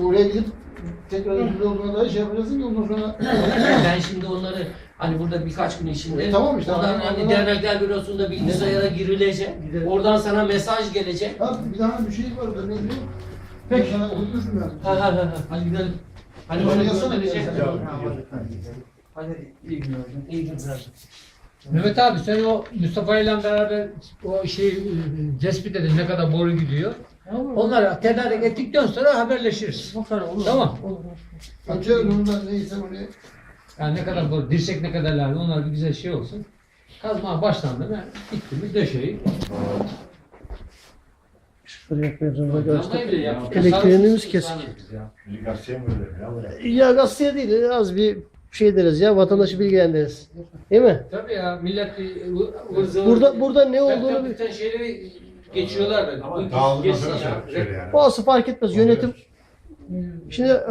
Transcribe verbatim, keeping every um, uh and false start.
İşte oraya gidip tekrar ödül olduğuna dair şey yapacaksın ki ondan sonra... Ben şimdi onları hani burada birkaç gün içinde E, tamam işte, oradan hani hani oradan- dernekler bürosunda bilgisayara girilecek. Oradan sana mesaj gelecek. Ha, bir daha bir şey var orada, ne bileyim. Peki. Ben sana unutmuşum ben. Ha ha ha. Hadi gidelim. Hani Hadi bana yazsana gönderecek. bir yazsana. Hadi iyi günler. İyi günler. Mehmet abi sen o Mustafa ile beraber o şeyi e, tespit edin ne kadar boru gidiyor. Onları tedarik ettikten sonra haberleşiriz. Tamam. Açıyorum onu da neyse onu. Yani ne kadar boru, dirsek ne kadar lazım onlar bir güzel şey olsun. Kazmaya başlandı mı bitti mi döşeyi. Sıfır yapmaya zorunda Yanmayı bile göster. yaptık. Elektriğimiz Sarı- kesik. sarı- ya. Gazete mi böyle ya? Ya gazeteye değil az bir şey deriz ya vatandaşı bilgilendiririz. Değil mi? Tabii ya millet bir ı- ıvır zıvır. Burada burada ne olduğunu bir- Bütün şeyleri geçiyorlar da. Ama Bu dağıldıktan geçsin sonra ya. söyle yani. Bazısı fark etmez yönetim. Şimdi